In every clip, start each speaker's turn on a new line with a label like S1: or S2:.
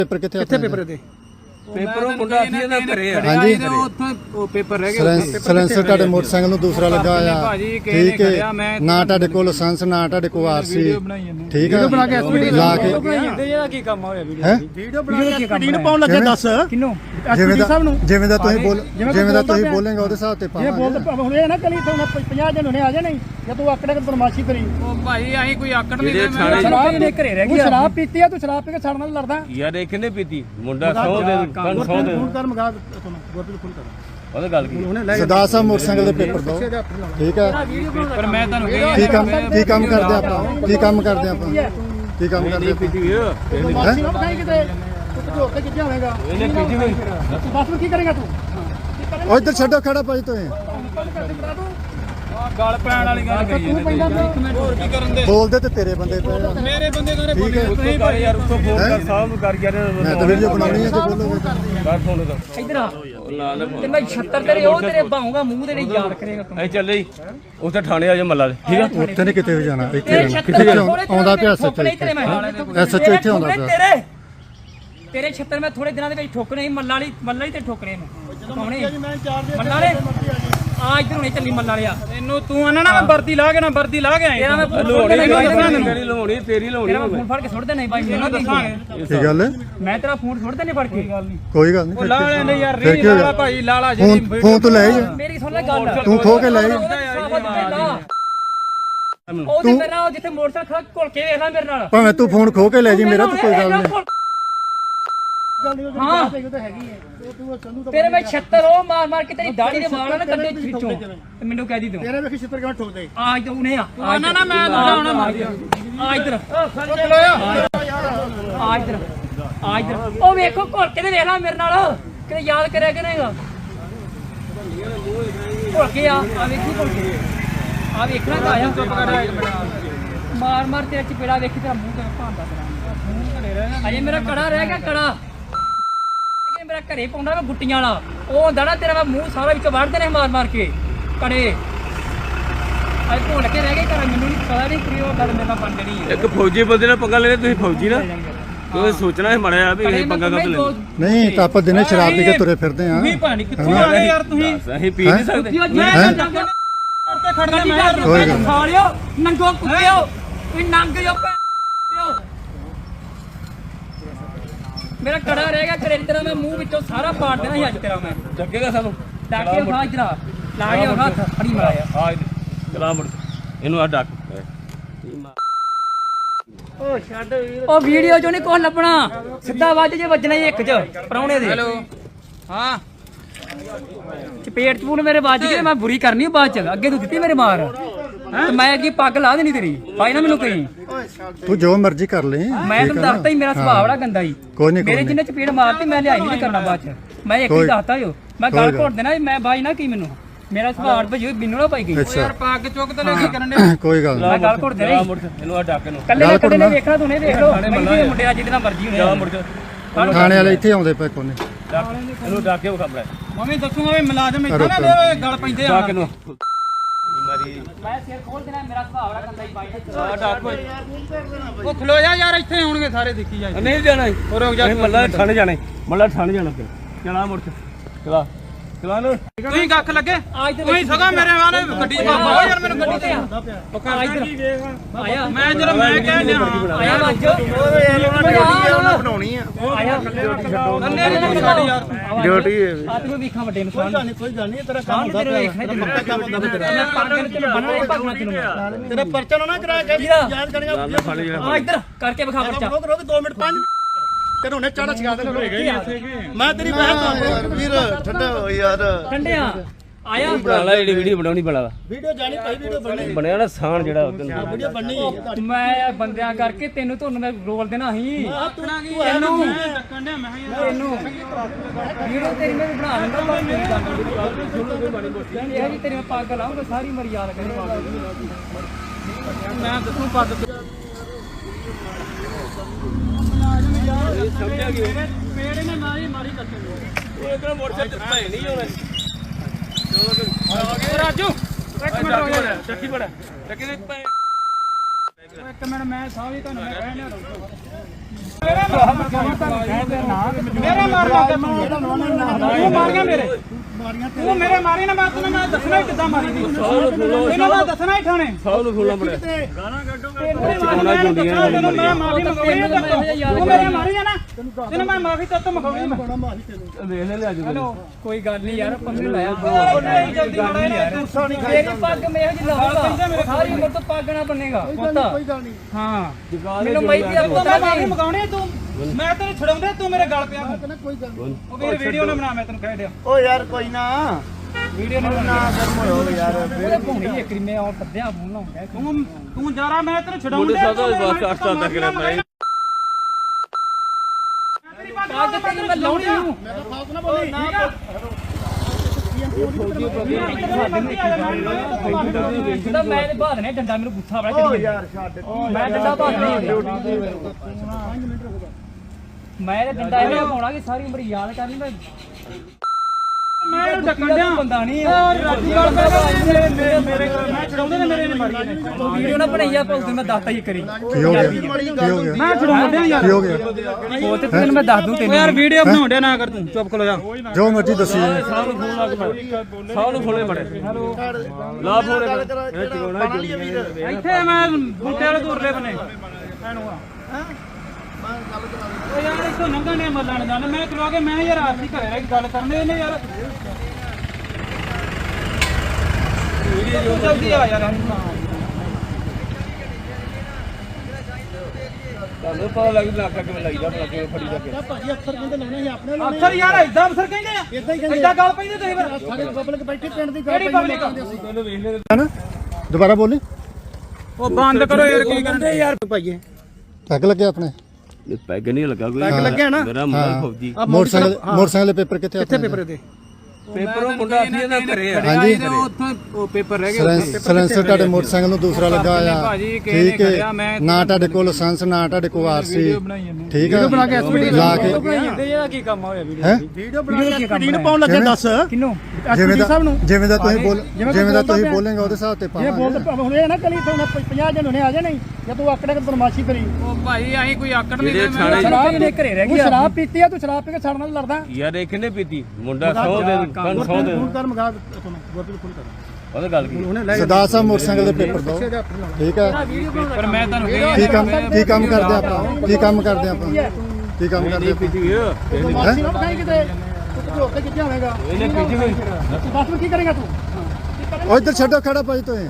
S1: Paper कितने
S2: paper दे
S3: paper मुंडा ਸੀ ਇਹਦਾ ਘਰੇ ਆ
S1: ਹਾਂਜੀ
S2: ਉੱਥੋਂ ਉਹ ਪੇਪਰ ਰਹਿ ਗਿਆ
S1: ਸਲੈਂਸਰ ਤੁਹਾਡੇ ਮੋਟਰਸਾਈਕਲ ਨੂੰ ਦੂਸਰਾ ਲੱਗਾ ਆ ਠੀਕ ਹੈ ਨਾ ਤੁਹਾਡੇ ਕੋਲ ਲਾਇਸੈਂਸ ਨਾ ਤੁਹਾਡੇ ਕੋਲ ਆਰਸੀ ਠੀਕ ਹੈ
S2: ਬਣਾ ਕੇ ਐਸਪੀਡੀ
S1: ਲਾ ਕੇ
S2: ਇਹਦਾ ਕੀ ਕੰਮ ਹੋਇਆ
S1: ਵੀਡੀਓ
S2: ਬਣਾ ਕੇ ਐਸਪੀਡੀ ਨੂੰ ਪਾਉਣ ਲੱਗੇ ਦੱਸ ਕਿਨੂੰ ਐਸਪੀਡੀ ਸਾਹਿਬ ਨੂੰ
S1: ਜਿਵੇਂ ਦਾ ਤੁਸੀਂ ਬੋਲੇਗਾ ਉਹਦੇ ਹਿਸਾਬ ਤੇ
S2: ਇਹ ਬੋਲ ਹੁਣ ਇਹ ਨਾ ਕਲੀ ਤੁਹਾਨੂੰ 50 ਦਿਨ ਹੁਣੇ ਆ ਜਾਣੇ ਜਾਂ ਤੂੰ ਆਕੜ ਕੇ ਬਦਮਾਸ਼ੀ ਕਰੀ
S4: ਉਹ ਭਾਈ ਅਸੀਂ ਕੋਈ ਆਕੜ ਨਹੀਂ
S2: ਸ਼ਰਾਬ ਦੇ ਘਰੇ ਰਹਿ ਗਿਆ ਸ਼ਰਾਬ ਪੀਤੀ ਆ ਤੂੰ ਸ਼ਰਾਬ ਪੀ ਕੇ ਸਾਡੇ ਨਾਲ ਲੜਦਾ
S3: ਯਾਰ ਇਹ ਕਿੰਨੇ ਪੀਤੀ ਮੁੰਡਾ ਸੌ ਦੇ ਸੌ ਦੇ
S2: ਫੋਨ ਕਰ ਮਗਾ ਤੁਹਾਨੂੰ ਗੁਰਪ੍ਰੀਤ ਫੋਨ ਕਰ
S3: ਉਹਦੇ ਗੱਲ ਕੀ
S1: ਸਰਦਾਰ ਸਾਹਿਬ ਮੋਟਰਸਾਈਕਲ ਦੇ ਪੇਪਰ ਦੋ ਠੀਕ ਹੈ
S4: ਪਰ ਮੈਂ ਤੁਹਾਨੂੰ
S1: ਕੀ ਕੰਮ ਕਰਦੇ ਆਪਾਂ ਕੀ ਕੰਮ ਕਰਦੇ
S3: ਪੀਤੀ ਹੋਈ
S2: ਬਦਮਾਸ਼ੀ ਨਾ ਬਖਾਈ ਕਿਤੇ ਤੂੰ ਕਿਤੇ ਹੋਰ ਤੇ ਕਿੱਥੇ ਹੋਵੇਗਾ
S3: ਇਹਨੇ ਪੀਤੀ ਹੋਈ
S2: ਤੂੰ ਦੱਸ ਕੀ ਕਰੇਗਾ ਤੂੰ
S1: ਉਹ ਇੱਧਰ ਛੱਡੋ ਖੜਾ ਭਾਈ ਤੁਸੀਂ
S4: ਗਲ ਪੈਣ ਵਾਲੀ ਗੱਲ ਕਰੀ
S2: ਤੂੰ ਪੈਂਦਾ
S4: ਹੋਰ ਕੀ ਕਰਨ ਦੇ
S1: ਬੋਲਦੇ ਤੇ ਤੇਰੇ ਬੰਦੇ ਪਏ
S4: ਮੇਰੇ ਬੰਦੇ ਕਰੇ
S1: ਠੀਕ ਹੈ
S3: ਉੱਤੋਂ ਕਰ ਯਾਰ ਉੱਤੋਂ ਫੋਨ ਕਰ ਸਾਹਿਬ ਨੂੰ ਕਰ ਯਾਰ
S1: ਮੈਂ ਤਾਂ ਵੀਡੀਓ ਬਣਾਉਣੀ ਹੈ ਜੇ ਬੋਲੋਗੇ ਤਾਂ
S3: ਕਰ ਫੋਨ ਕਰ
S5: ਇਧਰ ਆ ਤੇ ਮੈਂ 76 ਤੇਰੇ ਉਹ ਤੇਰੇ ਬਾਹੂਗਾ ਮੂੰਹ ਤੇਰੇ ਯਾਦ ਕਰੇਗਾ ਤੂੰ
S3: ਅਸੀਂ ਚੱਲੇ ਜੀ ਉੱਥੇ ਥਾਣੇ ਆ ਜਾ ਮੱਲਾ ਦੇ ਠੀਕ ਆ
S1: ਉੱਥੇ ਨਹੀਂ ਕਿਤੇ ਵੀ ਜਾਣਾ ਇੱਥੇ
S5: ਤੇਰੇ
S1: ਰਹਿਣਾ।
S5: 76
S1: ਕਿੱਥੇ ਆਉਂਦਾ ਪਿਆ
S5: ਠੋਕਣੇ ਤੇਰੇ ਮੈਂ
S1: SHO ਇੱਥੇ ਆਉਂਦਾ ਪਿਆ
S5: ਤੇਰੇ 76 ਮੈਂ ਥੋੜੇ ਦਿਨਾਂ ਦੇ ਵਿੱਚ ਠੋਕਣੇ ਸੀ ਮੱਲਾ ਹੀ ਤੇ ਠੋਕਣੇ ਨੇ ਕੌਣੇ ਮੱਲਾ ਵਾਲੇ ਆ ਇਧਰ ਹੁਣੇ ਚੱਲੀ ਮੱਲਾ ਵਾਲਿਆ
S4: ਤੈਨੂੰ ਤੂੰ ਆਣਾ ਨਾ ਮੈਂ ਵਰਦੀ ਲਾ ਕੇ ਨਾ ਵਰਦੀ ਲਾ ਕੇ ਆਇਆ
S5: ਤੇਰਾ ਮੈਂ
S3: ਤੇਰੀ ਲਵਾਉਣੀ ਤੇਰੀ
S5: ਤੇਰਾ
S3: ਲਵਾਉਣੀ
S5: ਮੈਂ ਫੋਨ ਫੜ ਕੇ ਸੁੱਟ ਦੇਣਾ ਬਾਈ ਮੈਨੂੰ ਦੱਸਾਂਗੇ
S1: ਕੀ ਗੱਲ ਹੈ
S5: ਮੈਂ ਤੇਰਾ ਫੋਨ ਸੁੱਟ ਦੇਣੇ ਫੜ ਕੇ
S1: ਕੋਈ ਗੱਲ ਨਹੀਂ
S4: ਲਾ ਲੈਣੇ ਯਾਰ
S1: ਫਿਰ
S4: ਰੀ
S1: ਕੀ ਹੋ ਗਿਆ?
S4: ਲਾਲਾ ਭਾਈ ਲਾਲਾ ਜੀ
S1: ਫੋਨ ਤੋਂ ਲੈ ਜਾ
S5: ਮੇਰੀ ਸੁਣ ਲੈ ਗੱਲ
S1: ਤੂੰ ਖੋ ਕੇ ਲੈ ਜਾ
S5: ਉਹਦੇ ਮੇਰੇ ਨਾਲ ਜਿੱਥੇ ਮੋਟਰਸਾਈਕਲ ਖੜਾ ਘੁਲ ਕੇ ਵੇਖ ਲੈ ਮੇਰੇ ਨਾਲ
S1: ਭਾਵੇਂ ਤੂੰ ਫੋਨ ਖੋ ਕੇ ਲੈ ਜੀ ਮੇਰਾ ਤਾਂ ਕੋਈ ਗੱਲ ਨਹੀਂ
S5: ਹਾਂ ਤੇਰੇ ਮੈਂ 76 ਉਹ ਮਾਰ ਮਾਰ ਕੇ ਤੇਰੀ ਦਾੜੀ ਦੇ ਵਾਲ ਨਾ ਕੱਢੇ ਵਿੱਚੋਂ ਤੇ ਮੈਨੂੰ ਕਹਿ ਦੀ ਤੂੰ
S2: ਤੇਰੇ ਵੇਖੀ ਛਿੱਤਰ ਕਿਵੇਂ ਠੋਕਦੇ
S5: ਆ ਇਧਰ ਉਹਨੇ ਆ
S4: ਨਾ ਨਾ ਮੈਂ ਦੌੜਾਉਣਾ ਮਾਰ
S5: ਆ ਇਧਰ ਆ ਇਧਰ ਉਹ ਵੇਖੋ ਘੁਲ ਕੇ ਤੇ ਵੇਖ ਲੈ ਮੇਰੇ ਨਾਲ ਕਿਤੇ ਯਾਦ ਕਰਿਆ ਕਿ ਨਹੀਂਗਾ ਘੁਲ ਕੇ ਆ ਵੇਖੀ ਘੁਲ ਕੇ ਆ ਵੇਖਣਾ ਤਾਂ ਆਇਆ ਮਾਰ ਮਾਰ ਤੇਰਾ ਚਪੇੜਾ ਵੇਖੀ ਤੇਰਾ ਮੂੰਹ ਤੇ ਭਾਂਦਾ ਤੇਰਾ ਅਜੇ ਮੇਰਾ ਕੜਾ ਰਹਿ ਗਿਆ ਕੜਾ ਮੇਰਾ ਘਰੇ ਪਾਉਂਦਾ ਮੈਂ ਗੁੱਟੀਆਂ ਵਾਲਾ ਉਹ ਹੁੰਦਾ ਨਾ ਤੇਰਾ ਮੂੰਹ ਸਾਰਾ ਵਿੱਚ ਵੜਦੇ ਨੇ ਮਾਰ ਮਾਰ ਕੇ ਕੜੇ ਅੱਜ ਭੁੱਲ ਕੇ ਰਹਿ ਗਏ ਘਰ ਮੈਨੂੰ ਨਹੀਂ ਪਤਾ ਨਹੀਂ ਕਿ ਉਹ ਗੱਲ ਮੇਰੇ ਨਾਲ ਬਣ ਜਣੀ ਹੈ
S3: ਇੱਕ ਫੌਜੀ ਬੰਦੇ ਨਾਲ ਪੰਗਾ ਲੈਣੇ ਤੁਸੀਂ ਫੌਜੀ ਨਾ ਤੁਸੀਂ ਸੋਚਣਾ ਹੈ ਮੜਿਆ ਵੀ ਇਹ ਪੰਗਾ ਕਰ ਲੈਣਾ
S1: ਨਹੀਂ ਤਾਂ ਆਪਾਂ ਦਿਨੇ ਸ਼ਰਾਬ ਪੀ ਕੇ ਤੁਰੇ ਫਿਰਦੇ ਆ
S4: ਵੀ ਪਾਣੀ ਕਿੱਥੋਂ ਆ ਗਏ ਯਾਰ ਤੁਸੀਂ
S3: ਅਸੀਂ ਪੀ ਨਹੀਂ ਸਕਦੇ
S4: ਮੈਂ ਕਰਕੇ ਖੜਨਾ ਮੈਂ
S1: ਕੋਈ ਗੱਲ
S5: ਸਾਲਿਓ ਨੰਗੋ ਕੁੱਤਿਓ ਤੁਸੀਂ ਨੰਗ ਜੋ ਪਿਓ ਮੇਰਾ ਕੜਾ ਰਹਿ ਗਿਆ ਘਰੇ ਤੇਰਾ ਮੈਂ ਮੂੰਹ ਵਿੱਚੋਂ ਸਾਰਾ ਪਾੜ ਦੇਣਾ ਸੀ ਅੱਜ ਤੇਰਾ ਮੈਂ
S3: ਜੱਗੇਗਾ ਸਾਨੂੰ
S5: ਡਾਕੇ ਖਾ ਇਧਰ ਲਾ ਕੇ ਹੱਥ ਫੜੀ ਮਾਰਿਆ
S3: ਆ ਚਲਾ ਮੁੜ ਇਹਨੂੰ ਆ ਡੱਕ
S5: ਉਹ ਵੀਡੀਓ ਚੋਂ ਨਹੀਂ ਕੁਝ ਲੱਭਣਾ ਸਿੱਧਾ ਵੱਜ ਜੇ ਵੱਜਣਾ ਹੀ ਇੱਕ ਚ ਪਰੌਣੇ ਦੇ
S4: ਹੈਲੋ ਹਾਂ
S5: ਚਪੇਟ ਚਪੂਨ ਮੇਰੇ ਵੱਜ ਗਏ ਮੈਂ ਬੁਰੀ ਕਰਨੀ ਬਾਅਦ ਚ ਅੱਗੇ ਤੂੰ ਦਿੱਤੀ ਮੇਰੇ ਮਾਰ ਤੇ ਮੈਂ ਅੱਗੇ ਪੱਗ ਲਾ ਦੇਣੀ ਤੇਰੀ ਪਾਈ ਨਾ ਮੈਨੂੰ ਕਹੀਂ
S1: ਤੂੰ ਜੋ ਮਰਜ਼ੀ ਕਰ ਲੈ
S5: ਮੈਂ ਤੈਨੂੰ ਦੱਸਤਾ ਹੀ ਮੇਰਾ ਸੁਭਾਅ ਬੜਾ ਗੰਦਾ ਹੀ
S1: ਕੋਈ ਨਹੀਂ
S5: ਮੇਰੇ ਜਿੰਨੇ ਚਪੇੜ ਮਾਰਤੀ ਮੈਂ ਲਿਆਈ ਨਹੀਂ ਕਰਨਾ ਬਾਅਦ ਚ ਮੈਂ ਇੱਕ ਹੀ ਦੱਸਤਾ ਜੋ ਮੈਂ ਗੱਲ ਘੋਟ ਦੇਣਾ ਮੈਂ ਬਾਈ ਨਾ ਕੀ ਮੈਨੂੰ ਮੇਰਾ ਸੁਭਾਅ ਭਜੋ ਮੈਨੂੰ ਨਾ ਪਾਈ ਗਈ
S4: ਯਾਰ ਪੱਗ ਚੁੱਕ ਤੇ ਲੈ ਕੇ ਕਰਨ ਦੇ
S1: ਕੋਈ ਗੱਲ
S5: ਮੈਂ ਗੱਲ ਘੋਟ ਦੇਣਾ
S3: ਮੁੜ ਇਹਨੂੰ ਆ ਡੱਕ ਇਹਨੂੰ
S5: ਕੱਲੇ ਕੱਲੇ ਨੇ ਵੇਖਣਾ ਤੂੰ ਨੇ ਵੇਖ ਲੋ ਮੈਂ ਮੁੰਡੇ ਆ ਜਿਹਦੇ ਨਾਲ ਮਰਜੀ ਹੋਣੇ
S3: ਜਾ ਮੁੜ
S1: ਥਾਣੇ ਵਾਲੇ ਇੱਥੇ ਆਉਂਦੇ ਪਏ ਕੋਨੇ
S3: ਇਹਨੂੰ ਡੱਕ ਕੇ ਉਹ ਖਬਰ
S4: ਮੰਮੀ ਦੱਸੂਗਾ ਵੀ ਮੁਲਾਜ਼ਮ ਇੱਥੇ ਨਾ ਦੇ ਗਲ ਪੈਂਦੇ ਆ
S3: ਡੱਕ ਇਹਨੂੰ ਮਾਰੀ
S5: ਮੈਂ ਸਿਰ ਖੋਲ ਦੇਣਾ ਮੇਰਾ ਸੁਭਾਅ ਬੜਾ ਗੰਦਾ ਹੀ ਬਾਈ
S3: ਆ ਡੱਕ
S4: ਉਹ ਖਲੋ ਜਾ ਯਾਰ ਇੱਥੇ ਆਉਣਗੇ ਸਾਰੇ ਦੇਖੀ ਜਾ
S3: ਨਹੀਂ ਜਾਣਾ
S4: ਹੋਰ ਰੁਕ ਜਾ
S3: ਮੱਲਾ ਥਾਣੇ ਜਾਣਾ ਮੱਲਾ ਥਾਣੇ ਜਾਣਾ ਚਲਾ ਮੁੜ ਚਲਾ ਚਲਾ ਨੂੰ
S4: ਤੁਸੀਂ ਕੱਖ ਲੱਗੇ ਤੁਸੀਂ ਸਗਾ ਮੇਰੇ ਵਾਲੇ ਗੱਡੀ ਚ ਪਾਓ ਯਾਰ ਮੈਨੂੰ ਗੱਡੀ ਤੇ ਪੱਕਾ
S5: ਆਇਆ
S4: ਮੈਂ ਜਦੋਂ ਮੈਂ ਕਹਿ ਲਿਆ
S5: ਆਇਆ ਵੱਜ
S2: ਬਣਾਉਣੀ ਆ
S5: ਆਇਆ
S4: ਅੰਨੇ ਨੂੰ ਛੱਡ ਯਾਰ
S1: ਡਿਊਟੀ ਹੈ
S5: ਆ ਤੈਨੂੰ ਵੇਖਾਂ ਵੱਡੇ ਨੂੰ
S2: ਕੋਈ ਗੱਲ ਨਹੀਂ ਕੋਈ ਗੱਲ ਨਹੀਂ ਤੇਰਾ ਕੰਮ
S5: ਸਾਹਮਣੇ ਤੇਰੇ ਵੇਖਣਾ ਤੈਨੂੰ
S2: ਪੱਕਾ ਕੰਮ ਹੁੰਦਾ ਤੇਰਾ
S5: ਮੈਂ ਪਾਗਲ ਤੇ ਬਣਨਾ ਨਹੀਂ ਭਗਣਾ ਤੈਨੂੰ
S2: ਤੇਰਾ ਪਰਚਾ ਨਾ ਕਰਾ ਕੇ ਯਾਦ ਕਰੇਗਾ
S5: ਆ ਇੱਧਰ ਕਰਕੇ ਵਿਖਾ ਬੱਚਾ
S2: ਰੁਕ 2 ਮਿੰਟ 5 ਤੈਨੂੰ ਹੁਣੇ ਚਾੜਾ ਛਗਾ ਦੇ ਮੈਂ ਤੇਰੀ ਬਹਿਨ ਵੀਰ ਠੰਡਾ ਹੋ ਯਾਰ
S5: ਠੰਡਿਆ ਆਇਆ
S3: ਬਣਾ ਜਿਹੜੀ ਵੀਡੀਓ ਬਣਾਉਣੀ ਬਣਾ
S2: ਵੀਡੀਓ ਜਾਣੀ ਭਾਈ ਵੀਡੀਓ ਬਣਨੀ
S3: ਬਣਿਆ ਨਾ ਸਾਨ ਜਿਹੜਾ ਉਹਦੇ
S2: ਵੀਡੀਓ ਬਣਨੀ
S5: ਮੈਂ ਬੰਦਿਆਂ ਕਰਕੇ ਤੁਹਾਨੂੰ ਮੈਂ ਰੋਲ ਦੇਣਾ ਸੀ
S4: ਇਹਨੂੰ ਟੱਕਣ ਡਿਆ ਮੈਂ ਯਾਰ
S5: ਇਹਨੂੰ ਵੀਡੀਓ ਤੇਰੀ ਮੈਂ ਬਣਾ ਲੈਂਦਾ ਪਰ ਮੇਰੀ ਗੱਲ ਇਹ ਜੀ ਤੇਰੀ ਮੈਂ ਪੱਗ ਲਾਉਂਗਾ ਸਾਰੀ ਮਰੀ ਯਾਦ ਕਰੇ
S4: ਮੈਂ ਦੱਸੂ ਪੱਗ
S3: ਸਮਝਿਆ ਕਿ
S4: ਪੇੜੇ ਨੇ ਮਾਰੀ ਕੱਟੇ
S3: ਉਹ ਇਧਰ ਮੋਟਰਸਾਈਕਲ ਤੇ ਨਹੀਂ ਹੋਣਾ
S4: ਰਾਜੂ ਇੱਕ ਮਿੰਟ ਰੁਕ ਜਾ
S3: ਚੱਕੀ ਬੜਾ ਚੱਕੀ ਦੇ
S4: ਇੱਕ ਮਿੰਟ ਮੈਂ ਸਾਹ ਵੀ ਤੁਹਾਨੂੰ ਮੈਂ ਕਹਿਣਾ ਮੇਰੇ ਮਾਰ ਲੱਗਾ ਤੂੰ ਮਾਰੀਆਂ ਮੇਰੇ ਤੂੰ ਮੇਰੇ ਮਾਰੀ ਨਾ ਮੈਂ ਤੈਨੂੰ ਮੈਂ ਦੱਸਣਾ ਹੀ ਕਿੱਦਾਂ ਮਾਰੀ ਦੀ ਇਹਨਾਂ ਦਾ ਦੱਸਣਾ ਹੀ ਠਾਣੇ
S3: ਸਭ ਨੂੰ ਫੋਲਾ ਬੜਿਆ
S4: ਤੈਨੂੰ ਮੈਂ ਮਾਫੀ ਮੰਗਾਉਣੀ ਹੈ ਤੂੰ ਮੇਰੇ ਮਾਰੀ ਆ ਨਾ ਤੈਨੂੰ ਮੈਂ ਮਾਫੀ ਤੇਤੋਂ ਮੰਗਾਉਣੀ
S3: ਦੇਖ ਲੈ ਅੱਜ
S5: ਹੈਲੋ ਕੋਈ ਗੱਲ ਨਹੀਂ ਯਾਰ ਪੰਗੇ ਲਾਇਆ
S4: ਨਹੀਂ ਜਲਦੀ ਮਾੜਾ ਯਾਰ ਗੁੱਸਾ ਨਹੀਂ
S5: ਮੇਰੀ ਪੱਗ ਮੈਂ ਜੀ ਲਾਉਂਗਾ ਸਾਰੀ ਉਮਰ ਤੋਂ ਪੱਗ ਨਾ ਬਣੇਗਾ ਪੁੱਤ
S2: ਕੋਈ ਗੱਲ ਨਹੀਂ
S4: ਹਾਂ
S5: ਮੈਨੂੰ ਮਾਈਤੀ ਆਪੋ
S4: ਮੈਂ ਮਾਫੀ ਮੰਗਾਉਣੀ ਤੂੰ ਮੈਂ ਤੈਨੂੰ ਛਡਾਉਂਦਾ ਤੂੰ ਮੇਰੇ ਗਲ ਪਿਆ
S2: ਕੋਈ ਗੱਲ ਨਹੀਂ
S4: ਉਹ ਵੀਰ ਵੀਡੀਓ ਨਾ ਬਣਾ ਮੈਂ ਤੈਨੂੰ ਕਹਿ ਦਿਆ
S2: ਓ ਯਾਰ ਕੋਈ ਨਾ
S4: ਵੀਡੀਓ ਨਾ
S2: ਨਾ ਗਰਮ ਹੋਇਓ ਯਾਰ
S5: ਉਹਦੇ ਭੌਣੀ ਇੱਕ ਮੈਂ ਆ ਪੱਦਿਆ ਫੋਨ ਲਾਉਂਦਾ
S4: ਤੂੰ ਜਾਰਾ ਮੈਂ ਤੈਨੂੰ
S3: ਮੁੰਡੇ
S4: ਛਡਾਉਂਦਾ
S3: ਸਾਹਿਬ ਦਾ ਬਸ ਆਸਤਾ ਤੱਕ ਨਾ ਪਏ
S5: ਪੱਗ ਤੇਰੀ ਮੈਂ ਲਾਉਣੀ ਹੂੰ
S2: ਮੈਂ ਤਾਂ ਫਾਲਤੂ ਨਾ ਬੋਲੀ ਠੀਕ ਆ
S5: ਜਿਹਦਾ ਮੈਂ ਤੇ ਬਾਦ ਨੇ ਡੰਡਾ ਮੈਨੂੰ ਗੁੱਸਾ ਬੜਾ
S2: ਓ
S5: ਕਰੀ
S2: ਯਾਰ ਛੱਡ
S5: ਮੈਂ ਡੰਡਾ ਬਾਦ ਨਹੀਂ ਮੈਂ ਤੇ ਡੰਡਾ ਇਹ ਪਾਉਣਾ ਕਿ ਸਾਰੀ ਉਮਰ ਯਾਦ ਕਰਨੀ ਮੈਂ
S4: ਮੈਂ ਢੱਕਣ ਡਿਆ
S5: ਬੰਦਾ ਨਹੀਂ
S4: ਰਾਤੀ ਗੱਲ ਕਰ ਮੇਰੇ ਮੈਂ ਛਡਾਉਂਦੇ ਨੇ ਮੇਰੇ ਨੇ ਮਾਰੀ
S5: ਵੀਡੀਓ ਨਾ ਬਣਾਈਆ ਪਰ ਉਸ ਦਿਨ ਮੈਂ ਦੱਸਤਾ ਹੀ ਕਰੀ
S1: ਕੀ ਹੋ ਗਿਆ ਕੀ ਹੋ ਗਿਆ
S4: ਮੈਂ ਛਡਾਉਂਦੇ ਯਾਰ
S1: ਕੀ ਹੋ ਗਿਆ
S5: ਉਹ ਤੇ ਤੈਨੂੰ ਮੈਂ ਦੱਸ ਦੂੰ ਤੈਨੂੰ
S4: ਯਾਰ ਵੀਡੀਓ ਬਣਾਉਣ ਡਿਆ ਨਾ ਕਰ ਤੂੰ ਚੁੱਪ ਕਰ ਜਾ
S1: ਜੋ ਮਰਜ਼ੀ ਦੱਸੀ
S3: ਸਭ ਨੂੰ ਫੋਨ ਲਾ ਕੇ ਬੜੇ ਸਭ ਨੂੰ ਫੋਲੇ ਬੜੇ ਲਾ ਫੋਨ
S2: ਬਣਾ ਲਈ ਵੀਰ
S4: ਇੱਥੇ ਮੈਂ ਬੂਟੇ ਵਾਲੇ ਦੂਰਲੇ ਬਨੇ ਐਨੂੰ ਆ
S2: ਮੈਂ ਗੱਲ ਕਰਾ
S4: ਓ ਯਾਰ ਇੱਥੋਂ ਲੰਘਣ ਨੇ ਮੱਲਣ ਜਾਣਾ ਮੈਂ ਕਰਵਾ ਕੇ ਮੈਂ ਯਾਰ ਆਪ ਹੀ ਘਰੇ ਰਹਿ ਕੇ ਗੱਲ ਕਰਨੇ ਨੇ ਯਾਰ ਵੀਡੀਓ ਜਲਦੀ ਆ ਯਾਰ
S3: ਤੁਹਾਨੂੰ ਪਤਾ ਲੱਗ ਲੱਗਾ ਕਿਵੇਂ ਲਾਈਦਾ ਭਲਾ ਕਿਵੇਂ ਫੜੀ ਜਾ ਕੇ
S2: ਭਾਜੀ ਅਫਸਰ ਕਹਿੰਦੇ ਲਾਉਣੇ ਸੀ ਆਪਣੇ
S4: ਅਫਸਰ ਯਾਰ ਏਦਾਂ ਅਫਸਰ ਕਹਿੰਦੇ ਆ
S2: ਇਦਾਂ ਹੀ ਕਹਿੰਦੇ
S4: ਏਦਾਂ ਗੱਲ ਪੈਂਦੀ ਤੁਸੀਂ ਫਿਰ
S2: ਸਾਡੇ ਪਬਲਿਕ ਬੈਠੀ ਪਿੰਡ ਦੀ ਗੱਲ
S4: ਕਿਹੜੀ ਪਬਲਿਕ
S3: ਤੁਹਾਨੂੰ ਵੇਖ ਲੈ
S1: ਹੈ ਨਾ ਦੁਬਾਰਾ ਬੋਲੀ
S4: ਉਹ ਬੰਦ ਕਰੋ ਯਾਰ ਕੀ ਕਰਦੇ ਯਾਰ
S2: ਭਾਈਏ
S1: ਟੱਕ ਲੱਗਿਆ ਆਪਣੇ
S3: ਪੈਗ ਨਹੀਂ ਲੱਗਾ ਕੋਈ
S2: ਪੈਗ ਲੱਗਿਆ ਨਾ
S3: ਮੇਰਾ ਮੁੰਡਾ ਫੌਜੀ
S1: ਮੋਟਰਸਾਈਕਲ ਦੇ ਪੇਪਰ ਕਿੱਥੇ
S2: ਕਿੱਥੇ ਪੇਪਰ ਦੇ
S3: ਪੇਪਰ ਉਹ ਮੁੰਡਾ ਸੀ ਇਹਦਾ ਘਰੇ ਆ
S1: ਹਾਂਜੀ
S4: ਉੱਥੋਂ ਉਹ ਪੇਪਰ ਰਹਿ ਗਏ
S1: ਸਲੈਂਸਰ ਤੁਹਾਡੇ ਮੋਟਰਸਾਈਕਲ ਨੂੰ ਦੂਸਰਾ ਲੱਗਾ ਆ
S4: ਭਾਜੀ ਕਿਸੇ ਨੇ
S1: ਠੀਕ
S4: ਖੜਿਆ
S1: ਹੈ
S4: ਮੈਂ
S1: ਨਾ ਤੁਹਾਡੇ ਕੋਲ ਲਾਇਸੈਂਸ ਨਾ ਤੁਹਾਡੇ ਕੋਲ ਆਰਸੀ ਠੀਕ ਹੈ
S2: ਬਣਾ ਕੇ SPD
S1: ਲਾ ਕੇ
S5: ਇਹਦਾ ਕੀ ਕੰਮ ਹੋਇਆ ਵੀਡੀਓ
S1: ਹੈ
S2: ਵੀਡੀਓ ਬਣਾ ਕੇ SPD ਨੂੰ ਪਾਉਣ ਲੱਗੇ ਦੱਸ
S5: ਕਿਨੂੰ
S1: ਜਿਵੇਂ
S2: SPD ਸਾਹਿਬ ਨੂੰ
S1: ਜਿਵੇਂ ਦਾ ਤੁਸੀਂ ਬੋਲੇਗਾ ਉਹਦੇ ਹਿਸਾਬ ਤੇ
S2: ਇਹ
S1: ਪਾਵਾਂਗੇ
S2: ਬੋਲ ਹੁਣ ਇਹ ਨਾ ਕਲੀ ਤੁਹਾਨੂੰ 50 ਜਣ ਹੁਣੇ ਆ ਜਾਣੇ ਜੇ ਤੂੰ ਆਕੜੇ ਕੇ ਬਦਮਾਸ਼ੀ ਕਰੀ
S4: ਉਹ ਭਾਈ ਅਸੀਂ ਕੋਈ ਆਕੜ ਨਹੀਂ
S3: ਜਿਹੜੇ
S4: ਦੇ
S3: ਥਾਣੇ
S5: ਸ਼ਰਾਬ ਨੇ ਘਰੇ ਰਹਿ
S2: ਤੂੰ
S5: ਗਿਆ
S2: ਸ਼ਰਾਬ ਪੀਤੀ ਆ ਤੂੰ ਸ਼ਰਾਬ ਪੀ ਕੇ ਸਾਡੇ ਨਾਲ ਲੜਦਾ
S3: ਯਾਰ ਇਹ ਕਿੰਨੇ ਪੀਤੀ ਮੁੰਡਾ ਸੌ ਦੇ ਕੰਨ ਸੌ ਦੇ
S2: ਫੋਨ ਕਰ ਮਗਾ ਤੁਹਾਨੂੰ ਗੁਰਪ੍ਰੀਤ ਫੋਨ ਕਰ
S3: ਉਹਦੇ ਗੱਲ ਕੀ
S1: ਸਰਦਾਰ ਸਾਹਿਬ ਮੋਟਰਸਾਈਕਲ ਦੇ ਪੇਪਰ ਦੋ ਠੀਕ ਹੈ
S4: ਪਰ ਮੈਂ ਤੁਹਾਨੂੰ
S1: ਕੀ ਕੰਮ ਕਰਦੇ ਆਪਾਂ ਕੀ ਕੰਮ ਕਰਦੇ ਆਪਾਂ ਕੀ ਕੰਮ ਕਰਦੇ ਆਪਾਂ
S3: ਪੀਤੀ ਹੋਈ
S2: ਬਦਮਾਸ਼ੀ ਨਾ ਖਾਈ ਕਿਤੇ ਤੂੰ ਕਿਤੇ ਉੱਥੇ ਕਿੱਥੇ ਆਵੇਂਗਾ
S3: ਇਹਨੇ ਪੀਤੀ ਹੋਈ
S2: ਤੂੰ ਦੱਸ ਕੀ ਕਰੇਗਾ ਤੂੰ
S1: ਉਹ ਇੱਧਰ ਛੱਡੋ ਖੜਾ ਭਾਈ ਤੁਸੀਂ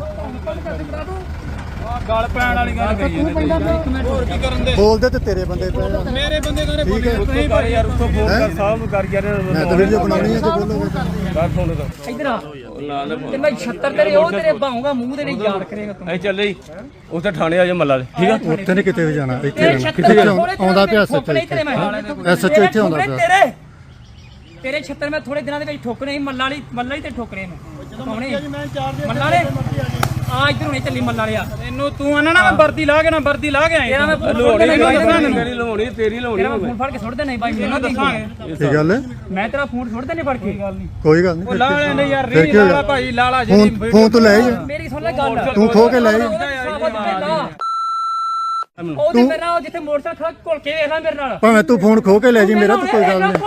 S4: ਗੱਲ ਪੈਣ ਵਾਲੀ ਗੱਲ ਕਰੀ
S2: ਤੂੰ ਪੈਂਦਾ ਪਿਆ
S4: ਹੋਰ ਕੀ ਕਰਨ ਦੇ
S1: ਬੋਲਦੇ ਤੇ ਤੇਰੇ ਬੰਦੇ ਪਏ ਆ।
S4: ਮੇਰੇ ਬੰਦੇ ਕਰੇ
S1: ਠੀਕ ਹੈ
S3: ਉੱਤੋਂ ਕਰ ਯਾਰ ਉੱਤੋਂ ਫੋਨ ਕਰ ਸਾਹਿਬ ਨੂੰ ਕਰ ਯਾਰ
S1: ਮੈਂ ਤਾਂ ਵੀਡੀਓ ਬਣਾਉਣੀ ਹੈ ਜੇ ਬੋਲੋਗੇ ਤਾਂ
S3: ਕਰ ਫੋਨ ਕਰ
S5: ਇਧਰ ਆ
S3: ਨਾ ਨਾ
S5: ਤੇ ਮੈਂ 76 ਤੇਰੇ ਉਹ ਤੇਰੇ ਬਾਹੂਗਾ ਮੂੰਹ ਤੇਰੇ ਯਾਦ ਕਰੇਗਾ ਤੂੰ
S3: ਅਸੀਂ ਚੱਲੇ ਜੀ ਉੱਥੇ ਥਾਣੇ ਆ ਜਾ ਮੱਲਾ ਦੇ ਠੀਕ ਆ
S1: ਉੱਥੇ ਨਹੀਂ ਕਿਤੇ ਵੀ ਜਾਣਾ ਇੱਥੇ
S5: ਤੇਰੇ
S1: ਰਹਿਣਾ।
S5: 76
S1: ਕਿੱਥੇ
S5: ਥੋੜੇ
S1: ਆਉਂਦਾ ਪਿਆ ਸੱਚ
S5: ਠੋਕਣੇ ਤੇਰੇ ਮੈਂ
S1: SHO ਇੱਥੇ ਆਉਂਦਾ ਪਿਆ
S5: ਤੇਰੇ 76 ਮੈਂ ਥੋੜੇ ਦਿਨਾਂ ਦੇ ਵਿੱਚ ਠੋਕਣੇ ਸੀ ਮੱਲਾ ਹੀ ਤੇ ਠੋਕਣੇ ਮੈਂ ਕੌਣੇ
S2: ਮੈਂ 4 ਦਿਨ
S5: ਮੱਲਾ ਵਾਲੇ ਆ ਇਧਰ ਹੁਣੇ ਚੱਲੀ ਮੱਲਾ ਵਾਲਿਆ
S4: ਤੈਨੂੰ ਤੂੰ ਆਣਾ ਨਾ ਮੈਂ ਵਰਦੀ ਲਾ ਕੇ ਨਾ ਵਰਦੀ ਲਾ ਕੇ ਆਇਆ
S5: ਤੇਰਾ ਮੈਂ ਫੋਨ
S3: ਲੋੜੀ
S5: ਤੇਰਾ
S3: ਮੇਰੀ ਲਵਾਉਣੀ ਤੇਰੀ ਲਵਾਉਣੀ
S5: ਮੈਂ ਫੋਨ ਫੜ ਕੇ ਸੁੱਟ ਦੇਣਾ ਬਾਈ ਮੈਨੂੰ
S4: ਦੱਸਾਂਗੇ
S1: ਕੀ ਗੱਲ ਹੈ
S5: ਮੈਂ ਤੇਰਾ ਫੋਨ ਸੁੱਟ ਦੇਣੇ ਫੜ ਕੇ
S1: ਕੋਈ ਗੱਲ ਨਹੀਂ
S4: ਉਹ ਲਾ ਲੈਣੇ ਯਾਰ
S1: ਫਿਰ
S4: ਰੀ
S1: ਕੀ ਹੋਇਆ?
S4: ਲਾਲਾ ਭਾਈ ਲਾਲਾ ਜੀ
S1: ਫੋਨ ਤੋਂ ਲੈ ਜਾ
S5: ਮੇਰੀ ਸੁਣ ਲੈ ਗੱਲ
S1: ਤੂੰ ਖੋ ਕੇ ਲੈ ਜਾ
S5: ਉਹਦੇ ਮੇਰੇ ਨਾਲ ਜਿੱਥੇ ਮੋਟਰਸਾਈਕਲ ਖੜਾ ਘੁਲ ਕੇ ਵੇਖ ਲੈ ਮੇਰੇ ਨਾਲ
S1: ਭਾਵੇਂ ਤੂੰ ਫੋਨ ਖੋ ਕੇ ਲੈ ਜੀ ਮੇਰਾ ਤਾਂ ਕੋਈ ਗੱਲ ਨਹੀਂ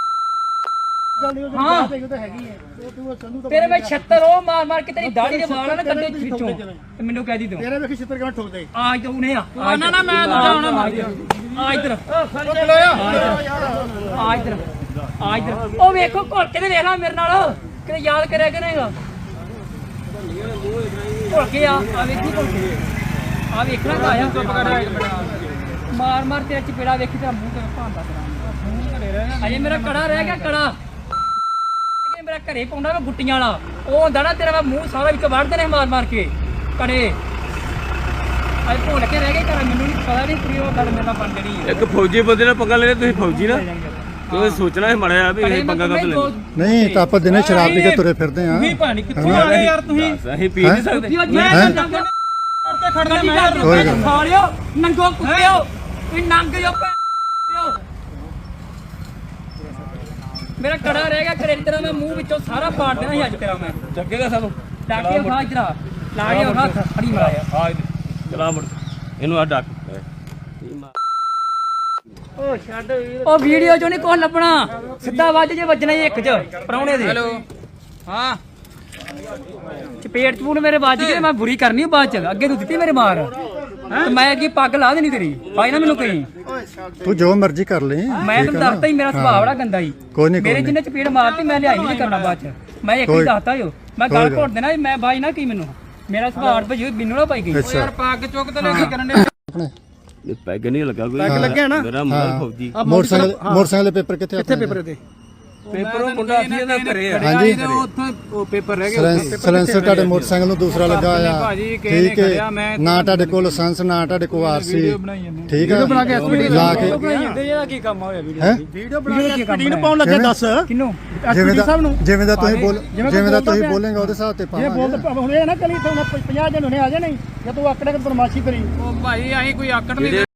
S5: ਹਾਂ
S2: ਤਾਂ ਹੈਗੀ ਹੈ ਉਹ ਤੂੰ ਸੰਧੂ ਤਾਂ
S5: ਤੇਰੇ ਮੈਂ 76 ਉਹ ਮਾਰ ਮਾਰ ਕੇ ਤੇਰੀ ਦਾੜੀ ਦੇ ਵਾਲ ਨਾ ਕੰਡੇ ਖਿੱਚੋ ਤੇ ਮੈਨੂੰ ਕਹਿ ਦੀ ਤੂੰ
S2: ਤੇਰੇ ਵੇਖੀ ਛਿੱਤਰ ਕਿਵੇਂ ਠੋਕਦੇ
S5: ਆ ਤੂੰ ਨੇ ਆ
S4: ਨਾ ਨਾ ਮੈਂ ਦੂਜਾ ਆਉਣਾ ਮਾਰ
S5: ਆ ਇਧਰ
S2: ਲੋਇਆ
S5: ਆ ਇਧਰ ਆ ਇਧਰ ਉਹ ਵੇਖੋ ਘੁਲ ਕੇ ਤੇ ਵੇਖ ਲੈ ਮੇਰੇ ਨਾਲ ਕਿਤੇ ਯਾਦ ਕਰਿਆ ਕਿ ਨਹੀਂਗਾ ਘੁਲ ਕੇ ਆ ਵੇਖੀ ਘੁਲ ਕੇ ਆ ਵੇਖਣਾ ਤਾਂ ਆਇਆ ਚੁੱਪ ਕਰ ਮਾਰ ਮਾਰ ਤੇਰਾ ਚਪੇੜਾ ਵੇਖੀ ਤੇਰਾ ਮੂੰਹ ਤੇ ਭਾਂਦਾ ਤੇਰਾ ਅਜੇ ਮੇਰਾ ਕੜਾ ਰਹਿ ਗਿਆ ਕੜਾ ਮੇਰਾ ਘਰੇ ਪਾਉਂਦਾ ਮੈਂ ਗੁੱਟੀਆਂ ਵਾਲਾ ਉਹ ਹੁੰਦਾ ਨਾ ਤੇਰਾ ਮੂੰਹ ਸਾਰਾ ਵਿੱਚ ਵੜਦੇ ਨੇ ਮਾਰ ਮਾਰ ਕੇ ਕੜੇ ਅੱਜ ਭੁੱਲ ਕੇ ਰਹਿ ਗਏ ਘਰ ਮੈਨੂੰ ਨਹੀਂ ਪਤਾ ਨਹੀਂ ਪੂਰੀ ਉਹ ਗੱਲ ਮੇਰੇ ਨਾਲ ਬਣ ਜਣੀ
S3: ਇੱਕ ਫੌਜੀ ਬੰਦੇ ਨਾਲ ਪੰਗਾ ਲੈਣਾ ਤੁਸੀਂ ਫੌਜੀ ਨਾ ਤੁਸੀਂ ਸੋਚਣਾ ਹੈ ਮੜਿਆ ਵੀ ਇਹ ਪੰਗਾ ਕਰ ਲੈਣਾ
S1: ਨਹੀਂ ਤਾਂ ਆਪਾਂ ਦਿਨੇ ਸ਼ਰਾਬ ਪੀ ਕੇ ਤੁਰੇ ਫਿਰਦੇ ਆ
S4: ਤੁਸੀਂ ਭਾਣੀ ਕਿੱਥੋਂ ਆ ਗਏ ਯਾਰ ਤੁਸੀਂ
S3: ਅਸੀਂ ਪੀ ਨਹੀਂ ਸਕਦੇ
S4: ਮੈਂ ਤੇ ਖੜਨਾ ਮੈਂ
S1: ਕੋਈ ਗੱਲ
S5: ਸਾਲਿਓ ਨੰਗੋ ਕੁੱਤਿਓ ਤੁਸੀਂ ਨੰਗ ਜੋ ਪਿਓ ਮੇਰਾ ਕੜਾ ਰਹਿ ਗਿਆ ਘਰੇ ਤੇਰਾ ਮੈਂ ਮੂੰਹ ਵਿੱਚੋਂ ਸਾਰਾ ਪਾੜ ਦੇਣਾ ਸੀ ਅੱਜ ਤੇਰਾ ਮੈਂ
S3: ਚੱਕੇਗਾ ਸਾਨੂੰ
S5: ਡਾਕੇ ਖਾ ਇਧਰ ਲਾ ਕੇ ਹੱਥ ਫੜੀ ਮਾਰਿਆ
S3: ਆ ਚਲਾ ਮੁੜ ਇਹਨੂੰ ਆ ਡੱਕ
S5: ਉਹ ਵੀਡੀਓ ਚੋਂ ਨਹੀਂ ਕੁਛ ਲੱਭਣਾ, ਸਿੱਧਾ ਵੱਜ ਜੇ ਵੱਜਣਾ ਹੀ ਇੱਕ ਚ ਪਰਾਉਣੇ ਦੇ। ਹੈਲੋ ਹਾਂ ਚਪੇੜ ਚਪੂਨ ਮੇਰੇ ਵੱਜ ਗਏ, ਮੈਂ ਬੁਰੀ ਕਰਨੀ ਬਾਅਦ ਚ। ਅੱਗੇ ਤੂੰ ਦਿੱਤੀ ਮੇਰੇ ਮਾਰ ਤੇ ਮੈਂ ਅੱਗੇ ਪੱਗ ਲਾ ਦੇਣੀ ਤੇਰੀ, ਪਾਈ ਨਾ ਮੈਨੂੰ ਕਹੀਂ।
S1: ਤੂੰ ਜੋ ਮਰਜ਼ੀ ਕਰ ਲੈ,
S5: ਮੈਂ ਤੈਨੂੰ ਦੱਸਤਾ ਹੀ ਮੇਰਾ ਸੁਭਾਅ ਬੜਾ ਗੰਦਾ ਹੀ।
S1: ਕੋਈ ਨਹੀਂ
S5: ਮੇਰੇ ਜਿੰਨੇ ਚਪੇੜ ਮਾਰਤੀ ਮੈਂ ਲਿਆਈ ਨਹੀਂ ਕਰਨਾ ਬਾਅਦ ਚ। ਮੈਂ ਇੱਕ ਹੀ ਦੱਸਤਾ ਜੋ ਮੈਂ ਗੱਲ ਘੋਟ ਦੇਣਾ, ਮੈਂ ਬਾਈ ਨਾ ਕੀ ਮੈਨੂੰ ਮੇਰਾ ਸੁਭਾਅ ਭਜੀ ਮੈਨੂੰ ਨਾ ਪਾਈ ਗਈ।
S1: ਅੱਛਾ
S4: ਪੱਗ ਚੁੱਕ ਤੇ ਲੈ ਕੇ ਕਰਨ ਦੇ
S1: ਆਪਣੇ
S3: ਪੈਗ ਨਹੀਂ ਲੱਗਾ ਕੋਈ,
S2: ਪੈਗ ਲੱਗਿਆ ਨਾ
S3: ਮੇਰਾ ਮੁੰਡਾ ਫੌਜੀ।
S1: ਮੋਟਰਸਾਈਕਲ ਦੇ ਪੇਪਰ ਕਿੱਥੇ?
S2: ਕਿੱਥੇ ਪੇਪਰ ਦੇ
S3: ਪੇਪਰ ਉਹ ਮੁੰਡਾ ਸੀ ਇਹਦਾ ਘਰੇ ਆ।
S1: ਹਾਂਜੀ
S4: ਉੱਥੇ ਉਹ ਪੇਪਰ ਰਹਿ ਗਏ।
S1: ਸਲੈਂਸਰ ਤੁਹਾਡੇ ਮੋਟਰਸਾਈਕਲ ਨੂੰ ਦੂਸਰਾ ਲੱਗਾ ਆ,
S4: ਭਾਜੀ ਕਿਸੇ ਨੇ
S1: ਠੀਕ
S4: ਖੜਿਆ,
S1: ਹੈ।
S4: ਮੈਂ
S1: ਨਾ ਤੁਹਾਡੇ ਕੋਲ ਲਾਇਸੈਂਸ, ਨਾ ਤੁਹਾਡੇ ਕੋਲ ਆਰਸੀ, ਠੀਕ ਹੈ,
S2: ਬਣਾ ਕੇ SPD
S1: ਲਾ ਕੇ
S5: ਇਹਦਾ ਕੀ ਕੰਮ ਹੋਇਆ ਵੀਡੀਓ
S1: ਹੈ
S2: ਵੀਡੀਓ ਬਣਾ ਕੇ SPD ਨੂੰ ਪਾਉਣ ਲੱਗੇ ਦੱਸ
S5: ਕਿਨੂੰ
S1: ਜਿਵੇਂ
S2: SPD ਸਾਹਿਬ
S1: ਦਾ
S2: ਨੂੰ
S1: ਜਿਵੇਂ ਦਾ ਤੁਸੀਂ ਬੋਲੇਗਾ ਉਹਦੇ ਹਿਸਾਬ ਤੇ
S2: ਇਹ
S1: ਪਾਵਾਂਗੇ।
S2: ਬੋਲ ਹੁਣ ਇਹ ਨਾ ਕਲੀ ਤੁਹਾਨੂੰ 50 ਦਿਨ ਹੁਣੇ ਆ ਜਾਣੇ ਜੇ ਤੂੰ ਆਕੜੇ ਬਦਮਾਸ਼ੀ ਕਰੀ
S4: ਉਹ ਭਾਈ ਅਸੀਂ ਕੋਈ ਆਕੜ ਨਹੀਂ